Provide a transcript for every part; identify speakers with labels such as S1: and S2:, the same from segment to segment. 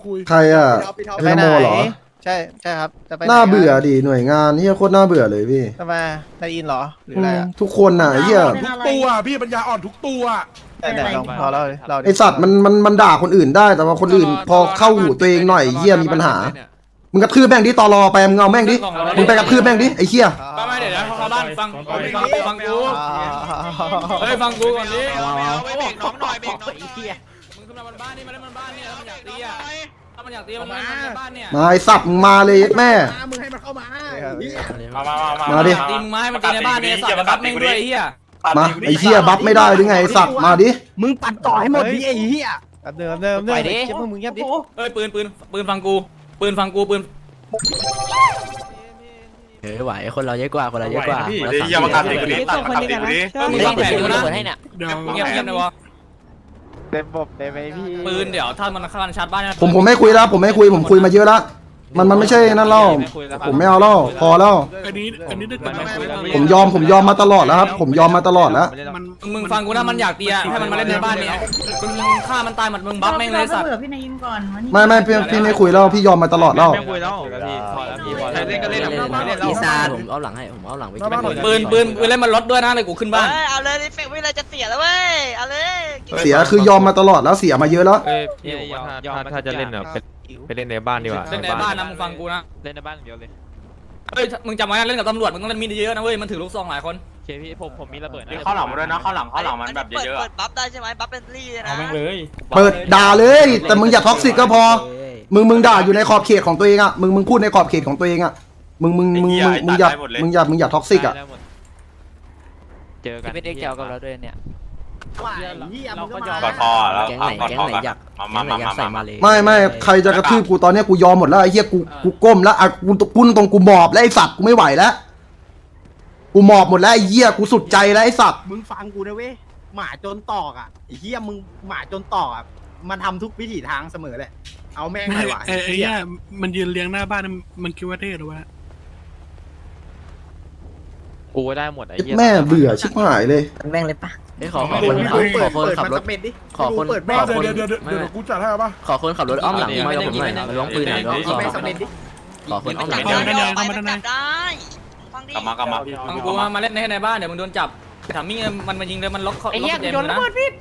S1: คุย
S2: ใครอ่ะ
S3: จะ
S2: เอ
S3: ไป
S2: โม
S3: ไหน
S2: เหรอ
S3: ใช่ครับจะไปไ
S2: น่าเบื่อดิหน่วยงานเฮียโคตรน่าเบื่อเลยพี่
S3: ทำไมนายอินเหรอหรืออะไรอ่ะ
S2: ทุกคนน่ะเฮีย
S1: ทุกตัวพี่ปัญญาอ่อนทุกตัว
S3: แต่ลองเรา
S2: ไอสัตว์มันด่าคนอื่นได้แต่ว่าคนอื่นพอเข้าหูตัวเองหน่อยเฮียมีปัญหามึงกระทืบแม่งดิตอรอไปมึงเอาแม่งดิมึงไปกระทืบแม่งดิไอเฮีย
S4: ไม่เดี๋ยวนะเข้าบ้านฟังกูเฮ้ยฟังกูก่อนดิ
S5: เบรกน้องหน่อยเบรกน้องไอ้เหี้ย
S4: มึงขึ้นมาบนบ้านนี่มาเล่นบนบ้านนี่แล้วมันอยากตีอ่ะถ้ามันอยากตีมันมาบ้านเนี่ย
S2: มาไอสัตว์มึงมาเลยแม่
S1: มึงให้มันเข้ามา
S2: มาดิ
S4: ตีมึงมาให้มันตีในบ้านเนี่ยสัตว์มันรับแม่งด้วยไอ้เหี้ย
S2: มาไอเฮียบัฟไม่ได้หรือไงไอสัตว์มาดิ
S1: มึงปัดต่อให้หมดดิไอ้เหี้ย
S3: เดิมเงียบมึงเงียบดิ
S4: เอ้ยปืนฟังกูปืน
S5: ไหวคนเราเยอะกว่าคนเราเยอะกว่า
S6: อย่ามากัดเด็กคนนี้ตัดมากัดเด็กคนนี้
S4: มึงวางแผนอยู่นะ
S5: ให้เนี่ย
S4: เงียบนะวะ
S3: เต็มบบได้ไหมพี่
S4: ปืนเดี๋ยวถ้ามันเข้าชาร์จบ้าน
S2: ผมไม่คุยแล้วผมไม่คุยผมคุยมาเยอะแล้วมันไม่ใช่นั่นแล้วผมไม่เอาแล้วพอแล้ว
S1: อันนี้ได้แต่ไม่คุย
S2: ผมยอมมาตลอดแล้วครับผมยอมมาตลอดแล้ว
S4: มึงฟังกูนะมันอยากตีอ่ะให้มันมาเล่นในบ้านเนี่ยมึงฆ่ามันตายหมดมึงบัฟแม่งเลยสัตว์
S7: พี่นายยินก่อน
S2: ไม่พี่ไม่คุยแล้วพี่ยอมมาตลอดแล้ว
S5: เล่นก็เล่นอีสานผมเอาหลังให้ผมเอาหลังไป
S4: ปืนเล่นมันลดด้วยนะเลยกูขึ้นบ้าน
S5: เอาเลยเฟกไม่เลยจะเสียแล้วเว้ยเอาเลย
S2: เสียคือยอมมาตลอดแล้วเสียมาเยอะแล้ว
S8: ถ้าจะเล่นเนี่ยไปเล่นในบ้านดีกว่า
S4: เล่นในบ้านนะมึงฟังกูนะ
S8: เล่นในบ้านเดียวเลย
S4: เฮ้ยมึงจำไว้นะเล่นกับตำรวจมึงต้องเล่นมีดเยอะนะเว้ยมันถือลูกซองหลายคน
S8: โอเคพี่ผมมีระเบิดนะ
S6: เข้าหลังมาด้วยนะเข้าหลังมันแบบเยอะ
S5: เปิดบัฟได้ใช่ไหมบัฟเป็นลี่เลยนะ
S4: เอาแม่งเลย
S2: เปิดด่าเลย แต่มึงอย่าท็อกซิกก็พอมึงด่าอยู่ในขอบเขตของตัวเองอ่ะมึงพูดในขอบเขตของตัวเองอ่ะมึงอย่าท็อกซิกอ่ะ
S8: เจอกัน
S5: ไม่ได้เกี่ยวกับเราด้วยเนี่ย
S8: เราก็ยอม
S6: ๆกอดคอแล้ว
S5: แก๊งไหนอยากใส่มาเลย
S2: ไม่ใครจะกระทืบกูตอนนี้กูยอมหมดแล้วไอ้เหี้ยกูก้มแล้วอ่ะกูตรงกูหมอบแล้วไอ้สัตว์กูไม่ไหวแล้วกูหมอบหมดแล้วไอ้เหี้ยกูสุดใจแล้วไอ้สัตว์
S1: มึงฟังกูนะเว้ยหมาจนตอกอ่ะไอ้เหี้ยมึงหมาจนตอกอ่ะมันทำทุกวิถีทางเสมอแหละเอาแม่งไม่ไหว
S9: ไอ้เนี่ยมันยืนเลี้ยงหน้าบ้านมันคิดว่าเท่หรือวะ
S8: กูได้หมดไอ้เหี้ย
S2: แม่เบื่อชิบหายเลย
S5: แม่งเลยปะขอคน
S1: เปิด
S5: ขับ
S1: มัน
S5: ร
S1: สั
S5: ถ
S1: กเม็ดดิ
S5: ขอคน
S1: เปิด
S5: ข
S1: แม่
S5: อ
S1: เดี๋
S5: คน
S1: ยวกูจัดให้ป่ะ
S5: ขอคนขับรถอ้อมหลังมากับผมหน่อยมาล้วงปืนหน่อยล้วงซอง
S1: แม่สักเม็ดดิ
S5: ขอคนอ้อมหลัง
S6: กลับมา
S4: ฟังกูมาเล่นในบ้านเดี๋ยวมึงโดนจับถามมิ่งมันมายิงเลยมันล็อกเขาล็อกเจมนะ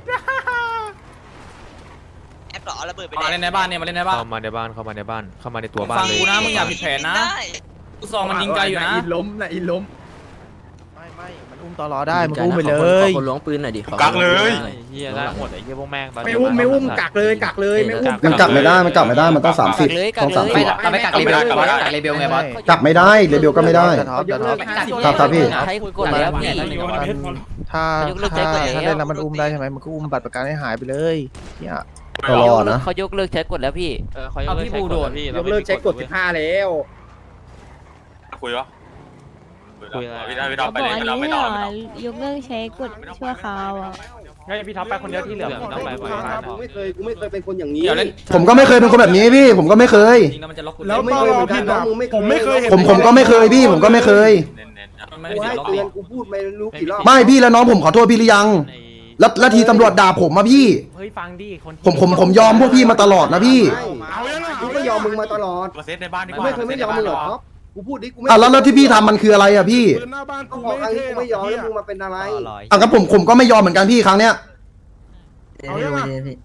S5: แอปหรอระเบิดไป
S4: มาเล่นในบ้านเนี่ยมาเล่นในบ้าน
S8: เข้ามาในบ้านเข้ามาในตัวบ้าน
S4: ฟัง
S8: เลย
S4: กูนะมึงอย่าผิดแผนนะลูกซองมันยิงไกลอยู่นะ
S1: อินล้มนะอินล้ม
S3: ไม่มันอุ้มตลอได้มันอุ้มไปเล
S5: ข
S3: ย
S5: อคนล้วงปืนหน่อยดิ
S6: กักเลย
S8: ไอ้เหี้ยได้หมดไอ้เหี้ยพวกแม่ง
S1: ไม่อุ้มกักเลยไม่อุ้ม
S2: มันกลับไม่ได้มันต้อง30ต้อง30
S5: ไม่กักเลยกักเลยเบลไงบอส
S2: กลับไม่ได้เลเบลก็ไม่ได้ ครับพี่
S5: ให้กดแล้วพี่
S3: ถ้าเล่นแล้วมันอุ้มได้ใช่ไหมมันก็อุ้มบัตรประกันให้หายไปเลยเนี่ย
S2: ตลอดนะ
S5: เขายกเลิกใช้กดแล้วพี่
S8: เขายกเลิกใช้กดพี่
S1: ยกเลิกใช้กด15แล้ว
S6: คุยวะพี่ดาวไป
S7: บอก
S6: เลย
S7: อัน
S6: เรา
S7: นี้
S6: ไม่
S7: ไม่
S6: ต้
S7: ห
S6: อง
S7: รอยกเลิกใช้กดชั่วคราวอ่ะ
S8: ให้พี่ท็อปไปคนเดียวที่เหลือพี่ต้องไป
S1: กูไม่เคยเป็นคนอย่างนี้
S4: เดี๋ยวเล่น
S2: ผมก็ไม่เคยเป็นคนแบบนี้พี่ผมก็ไม่เคย
S4: จริงแล้วมันจะล็อกกู
S1: แล้วตลอดพี่นะผมไม่เคย
S2: ผมก็ไม่เคยพี่ผมก็ไม่เคย
S4: มันไม่
S1: กู
S4: ได้
S1: ให้
S4: ล็อก
S1: เตือนกูพูดไม่รู้กี่รอบ
S2: ไม่พี่แล้วน้องผมขอโทษพี่หรือยังแล้วทีตำรวจด่าผมมาพี่
S8: เฮ้ยฟังดิคน
S2: ผมยอมพวกพี่มาตลอดนะพี่
S1: เอายังไงกูก็ยอมมึงมาตลอด
S6: มาเซตในบ้านดีก
S1: กู
S6: ว่า
S1: ไม่เคยไม่ยอมมึงหรอกูพูดดิกูไม่
S2: แล้วที่พี่ทำมันคืออะไรอ่ะพี่
S1: หน้าบ้านกูไม่ยอมแล้วมึงมาเป็นอะไร
S2: อ่ะก็ผมก็ไม่ยอมเหมือนกันพี่ครั้งเนี้ย
S1: เอายังไง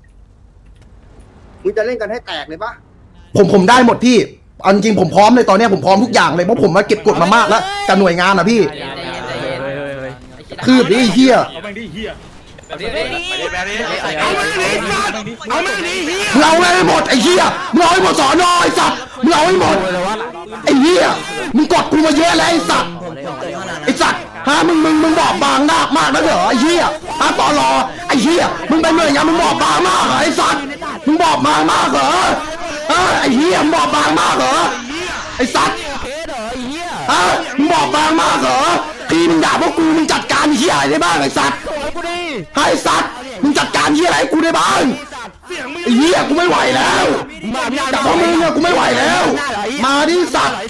S1: มึงจะเล่นกันให้แตกเลยปะ
S2: ผมได้หมดพี่เอาจริงผมพร้อมเลยตอนเนี้ยผมพร้อมทุกอย่างเลยเพราะผมมาเก็บกดมามากแล้วกับหน่วยงานอ่ะพี่คืบดิไอ้เหี้ย
S1: เอาไปดิเฮีย
S6: ไปดิ
S1: เอาไม่ดีเฮีย
S2: มึงเอาให้หมดไอ้เหี้ยมึงเอาให้หมดสอนอไอ้สัตว์มึงเอาให้หมดไอ้เหี้ยมึงกดกูมาเยอะแล้วไอ้สัตว์ไอ้สัตว์ฮะมึงบอกบางมากนะเหรอไอ้เหี้ยฮะตอรอไอ้เหี้ยมึงเป็นหน่วยงานมึงบอกบางมากเหรอไอ้สัตว์มึงบอกบางมากเหรอไอ้เหี้ยมึงบอกบางมากเหรอไอ้สัตว์ฮะมึงบอกบางมากเหรอพี่มึงด่าพวกกูมึงจัดการเหี้ยอะไรได้บ้างไอ้สัตว์ไอ้สัตว์มึงจัดการเหี้ยอะไรให้กูได้บ้างไอ้เหี้ยกูไม่ไหวแล้วแต่พวกมึงเนี่ยกูไม่ไหวแล้วมาดิสัตว์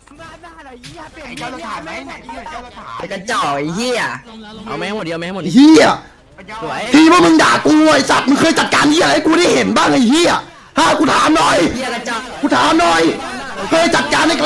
S5: ไอ้กระจอกไอ้เหี้ยเอาแม่งหมดเดียวแม่งหมด
S2: เหี้ยที่พวกมึงด่ากูไอ้สัตว์มึงเคยจัดการเหี้ยอะไรให้กูได้เห็นบ้างไอ้เหี้ยกูถามหน่อย
S5: เหี้ย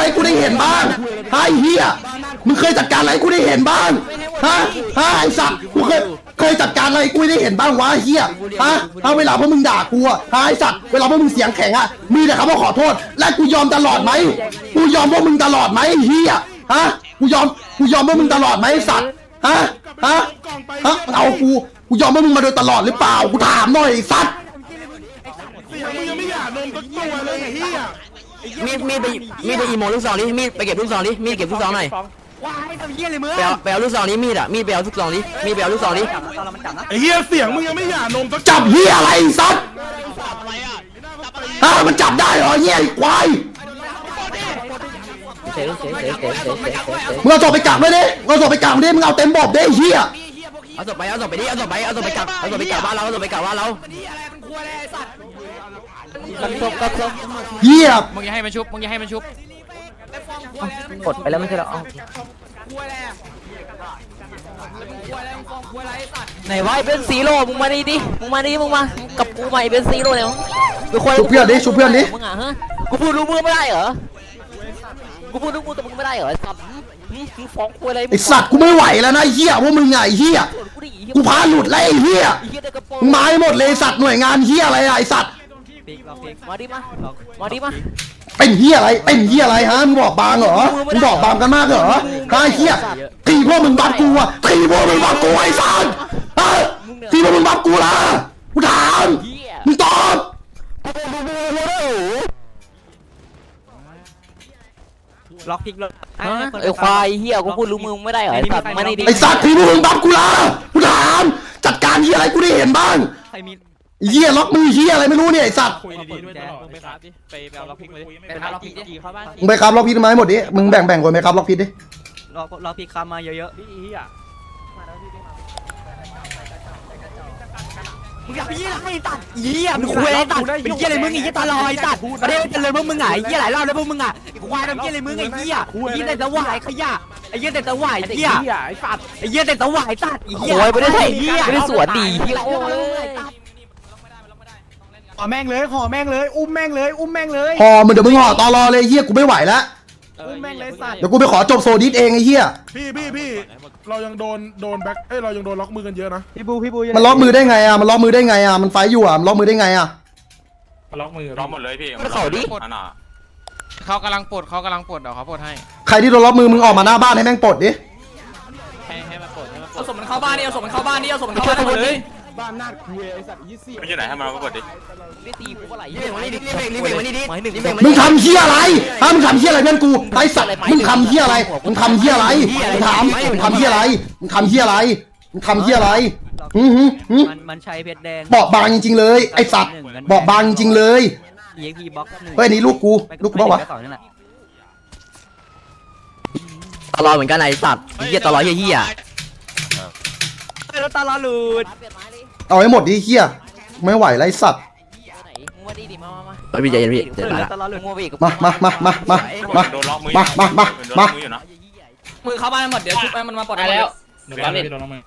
S2: ให้กูได้เห็นบ้างไอ้เหี้ยมึงเคยจัดการอะไรให้กูได้เห็นบ้างฮะไอ้สัตว์กูเคยจัดการอะไรให้กูได้เห็นบ้างวะไอ้เหี้ยฮะเวลาพวกมึงด่ากูอะไอ้สัตว์เวลาพวกมึงเสียงแข็งอะมีแต่คำว่าขอโทษและกูยอมตลอดไหมกูยอมพวกมึงตลอดไหมไอ้เหี้ยฮะกูยอมพวกมึงตลอดไหมไอ้สัตว์ฮะเอากูยอมพวกมึงมาโดยตลอดหรือเปล่ากูถามหน่อยไอ้สัตว์
S9: มึงยังไม่อยากนมสักตัวเลยไอ้เหี้ย
S5: มีดไปอีโมลูกซองดิมีดไปเก็บลูกซองดิมีดเก็บลูกซองหน่อยไปเอาลูกซองนี้มีดอ่ะมีดไปเอาลูกซองดิมีดไปเอาลูกซองดิ
S9: ไอ้เหี้ยเสียงมึงยังไม่อยากนมสัก
S2: จับเหี้ยอะไรไอ้สัตว์มันจับได้เหรอเหี้ยไอ้ควายมึงเอาศพไปกักด้วยดิมึงเอาศพไปกักดิมึงเอาเต็มบบดิไอ้เหี้ย
S5: เอาศพไปดิเอาศพไปกักบ้านเราเอาศพไปกักบ้านเรา
S2: เหี้ย
S4: มึงอย่าให้มันชุบมึงอย่าให้มันชุบ
S5: กดไปแล้วไม่ใช่หรอไหนวะเป็นซีโร่มึงมาดิมึงมากับกูมาเป็นซีโร่เนี่ย
S2: ชุบเพื่อนดิชุบเพื่อนดิ
S5: มึงอ่ะฮะกูพูดรู้มือไม่ได้เหรอกูพูดรู้มือแต่มึงไม่ได้เหรอไอ้สัตว์มึงฟ้องกูอะไร
S2: ไอ้สัตว์กูไม่ไหวแล้วนะไอ้เหี้ยพวกมึงไงไอ้เหี้ยกูพาหลุดแล้วไอ้เหี้ยมึงมาให้หมดเลยสัตว์หน่วยงานเหี้ยอะไรอะไอ้สัตว์
S5: มาดิมา
S2: เป็นเหี้ยอะไรฮะมึงบอกบางเหรอมึงบอกบางกันมากเหรอไอ้เหี้ยตีพวกมึงบัฟกูอะตีพวกมึงบัฟกูไอ้สัตว์ตีพวกมึงบัฟกูล่ะกูถามมึงตอบ
S5: ล็อกพิกเลยไอ้ควายเหี้ยกูพูดรู้มือไม่ได้เหรอไอ้สัตว์มาดิ
S2: ไอ้สัตว์ตีพวกมึงบัฟกูล่ะกูถามจัดการเหี้ยอะไรกูได้เห็นบ้างเหี้ยล็อกมือเหี้ยอะไรไม่รู้เนี่ยไอ้สัตว์
S8: คุยดีๆด้วยมึงไปครับดิไปเอาล็อกพิกมาดิ
S4: ไปหาล็อกพิกดิเข้าบ้าน
S2: มึงไปครับล็อกพิษมาให้หมดดิมึงแบ่งคนไปครับล็อกพิษดิ
S5: ล็อกพิกคำมาเยอะๆมึงอยากไปยี่อะไรตัดเหี้ยมึงคุยอะไรตัดเป็นเหี้ยอะไรมึงไอ้เหี้ยตาลอยตัดประเทศเจริญพวกมึงไงไอ้เหี้ยหลายรอบแล้วพวกมึงอ่ะควายทำเหี้ยอะไรมึงไอ้เหี้ยไอ้เหี้ยแต่ตะวายขยะไอ้เหี้ยแต่ตะวายเหี้ยไอ้สัตว์ไอ้เหี้ยแต่ตะวายตัดไอ้เหี้ยไม่ได้เหี้ยไม่ได้สวนดีเหี้ยโอ้ย
S1: ขอแม่งเลยอุ้มแม่งเลย
S2: ห่อมึงเดี๋ยวมึงห่อตอรอเลยเหี้ยกูไม่ไหวแล้ว
S1: อุ้มแม่งเลยสัตว์
S2: เดี๋ยวกูไปขอจบโซดิสเองไอ้เหี้ย
S9: พี่เรายังโดนแบ็คเรายังโดนล็อกมือกันเยอะนะ
S2: มันล็อกมือได้ไงอ่ะมันล็อกมือได้ไงอ่ะมันไฟอยู่อ่ะมันล็อกมือได้ไงอ่ะ
S8: ล็อกมือ
S6: ร้องหมดเลยพี่
S5: มันเขาดิ
S6: อันน่ะ
S4: เขากำลังปลดเดี๋ยวเขาปลดให้
S2: ใครที่โดนล็อกมือมึงออกมาหน้าบ้านให้แม่งปลดดิ
S8: ให้มันปลด
S4: เอาศพมันเข้าบ้านนี่เอาศพมันเข้าบ้านนี่เอาศพมันเข้าบ้านหมดเลย
S6: ไม่ใช่ไหนให้มันมาเปิดดิ
S2: มึงทำเหี้ยอะไรมึงทำเหี้ยอะไรเพื่อนกูไอ้สัตว์มึงทำเหี้ยอะไรมึงทำเหี้ยอะไรมึงถามมึงทำเหี้ยอะไรมึงทำเหี้ยอะไรมึงทำเหี้ยอะไร
S5: มันใช้เพชรแดง
S2: บอกบางจริงๆเลยไอ้สัตว์บอกบางจริงๆเลย
S5: EXP box
S2: เฮ้ยนี่ลูกกูเปล่าวะ
S5: ตลอดเหมือนกันไอ้สัตว์เหี้ยตลอดเหี้ยแล้วตลอดหลุด
S2: เอาให้หมดดิเหี้ยไม่ไหวแล้วไอ้สัตว์
S5: พี่ใจเย็นพี่เดี๋ยวมา
S6: โดนล็อกมือ อยู่นะ
S4: มือเข้าบ้านหมดเดี๋ยวชุบให้มันมาปลด
S8: แล้ว
S4: โดนล็อกมือ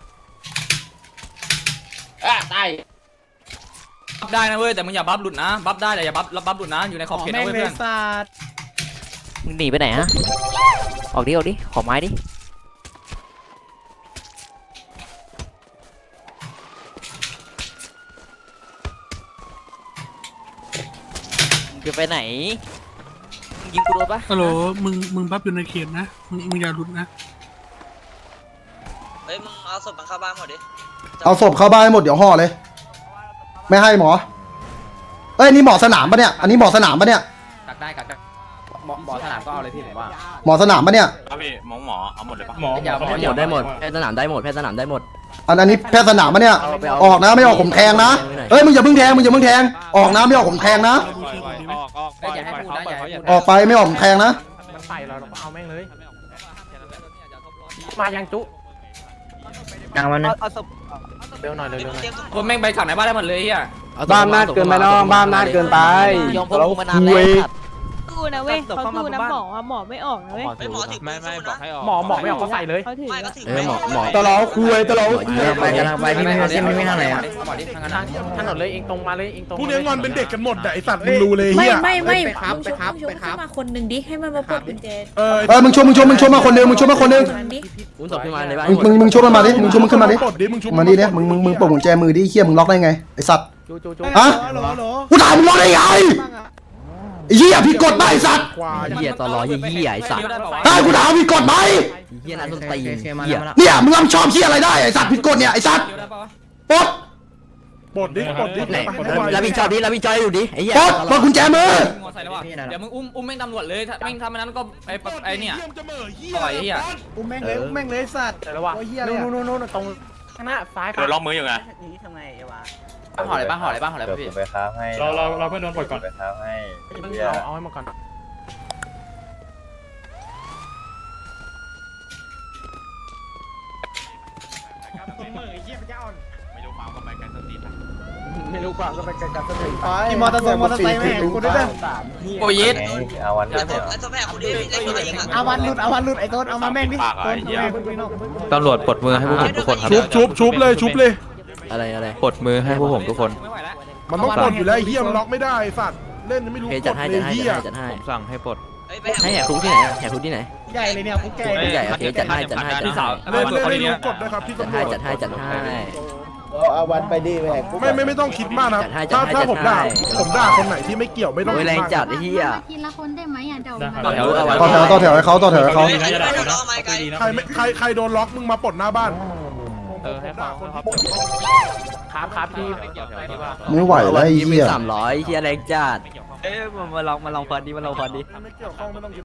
S4: ตายบัฟได้นะเว้ยแต่มึงอย่าบัฟหลุดนะบัฟได้แต่อย่าบัฟหลุดนะอยู่ในขอบเขตนะเว้ยเพื่อน
S5: มึงหนีไปไหนฮะออกดิขอไม้ดิจะไปไหนยิงกูโดนปะ
S9: ฮัลโหลมึงบัฟอยู่ในเขตนะมึงอย่าหลุดนะ
S5: เฮ้ยมึงเอาศพมันเข้าบ้านหมดดิ
S2: เอาศพเข้าบ้านให้หมดเดี๋ยวห่อเลยไม่ให้หมอเอ้ยนี่หมอสนามปะเนี่ยอันนี้หมอสนามปะเนี่ย
S4: กักได้หมอสนามก็เอาเลยพี่ผมว่า
S2: หมอสนามปะเนี่ย
S6: ครับพี่หมอเอาหมดเลยปะ
S8: หมอ
S5: ได้หมดแพทย์สนามได้หมด
S2: อันนี้แพทย์สนามปะเนี่ยออกนะไม่ออกผมแทงนะเอ้ยมึงอย่าเพิ่งแทงออกนะไม่ออกผมแทงนะ ออกไปไม่ออกผมแทงนะ
S8: มันใส่เราเอาแม่งเลย
S4: มายังจุ
S5: กลางมันนะ
S8: เร็วหน่อยเร็วหน่อย
S4: คนแม่งไปขังในบ้านได้หมดเลยเฮีย
S5: บ้านนาดเกินไปน้องบ้านนาดเกินไปยอมพวกมึงมานานแล้ว
S7: สู้นะเว้ยเขาสู้นะหมอหมอไม่ออกนะเว้ย
S8: ไม่บอกให้ออก
S5: หมอไม่ออกก็ใส่เลย
S7: เขาถือ
S2: หมอตลอดคุยตลอดคุย
S5: ไปกันไปพี่ไม่ทำอะไรอ่ะ
S4: ถนนเลยเองตรงมาเลยเองตรง
S9: พวกนี้งอนเป็นเด็กกันหมดไอสัตว์มึงรู้เลย
S7: ไม่
S9: เฮีย
S7: มึงชกขึ้นมาคนหนึ่งดิให้มันมาปลดกุญแจ
S2: มึงชมมาคนนึงมึงชมมาคนนึง
S7: นั้นดิ
S5: อุ้นศพขึ้นมาในบ้าน
S2: มึงชมมันมาดิมึงชมมันขึ้นมาดิ
S9: ปลดดิมึงชุบ
S2: มาดิเนี่ยมึงปลดกุญแจมือดิเฮียมึงล็อกได้ไงไอสัตว์
S5: จู
S2: ฮะกูถามมึงล็อกได้ไงไอ้เหี้ยผิดกฎไหมไอ้สัตว์
S9: ควาย
S5: เหี้ยตลอดเหี้ยไอ้สัตว์
S2: ได้กูถามผิดกฎไหม
S5: เหี้ยนั่นต้นตีนเหี้ย
S2: เนี่ยมึงรับผิดชอบเหี้ยอะไรได้ไอ้สัตว์ผิดกฎเนี่ยไอ้สัตว์ปลด
S9: ปลดดิปลดดิ
S5: ไหนรับผิดชอบดิรับผิดชอบอยู่ดิไอ้เหี้ย
S2: ปลดกุญแจมือ
S4: งอใส่แล้วว่ะเดี๋ยวมึงอุ้มแม่งตำรวจเลยถ้าแม่งทำอันนั้นก็ไอ้เนี่ย
S9: จะเหม่อเฮีย
S4: ปล่อยไอ้เหี้ย
S1: อุ้มแม่งเลยสัตว์
S5: แต่ละว่ะนู่นตรงข้างหน้าซ้าย
S6: โดนล็อกมืออยู่ไง
S5: ทำไงไอ้วะ
S4: ห่ออะไรบ้างพี่
S8: ไปค้าให้
S9: เราเพื่อนโดนปลดก่อน
S8: ไปค้าให้
S5: เอาให้มาก่อน
S6: ไม่รู้ความก็ไปกันสติ
S1: มีมอเตอร์ไซค์แม่กูได้
S4: โอ้ยยิด
S8: เอาวันนี้
S1: เอาวันหลุดไอ้ต้นเอามาแม่งดิ
S6: ปากไอ้เหี้ย
S8: ตำรวจปลดมือให้พวกผมทุกคนครับ
S9: ชุบเลย
S5: อะไร
S8: ปลดมือให้พวกผมทุกคน
S4: ไม่ไหวแล้ว
S9: มันต้องปลดอยู่แล้วไอ้เฮียมันล็อกไม่ได้ไอ้สัตว์เล่นยังไม่รู้
S5: เพ
S9: ก
S5: จัด
S9: ฎ
S5: ให้
S9: เลยเฮีย
S8: ผมสั่งให้ปลด
S5: ให้แหกคุกที่ไหนแหกคุกที่ไหน
S1: ใหญ่เลยเนี่ยพวกแก
S5: ใหญ่โอเคจัดให้
S4: พี่สาว
S9: เล่น
S4: เขา
S9: ไม่
S4: ดี
S9: รู้
S4: เนี่ย
S9: กฎนะครับพี่ตำรวจ
S5: จัดให้
S2: เอาวันไปดิแม่กู
S9: ไม่ต้องคิดมากนะถ้าผมด่าคนไหนที่ไม่เกี่ยวไม่ต้อง
S5: โอ้ย
S9: คิด
S5: แรง
S9: มาก
S5: จัดไอ้เหี้ย
S7: ทีละคนได้ไหมอ่ะเดี๋ยว
S4: ต่อแถว
S2: ต่อแถวให้เขา
S9: ใครโดนล็อกมึงมาปลดหน้าบ้าน
S8: ให้เขาครับ
S5: ครับพี่
S2: ไม่ไหวแล้วไอ้เหี้ย
S5: 300เหี้ยแรงจัด
S8: มาลองพอดี
S9: ไม่เกี่ยวข้องไม่ต้องคิด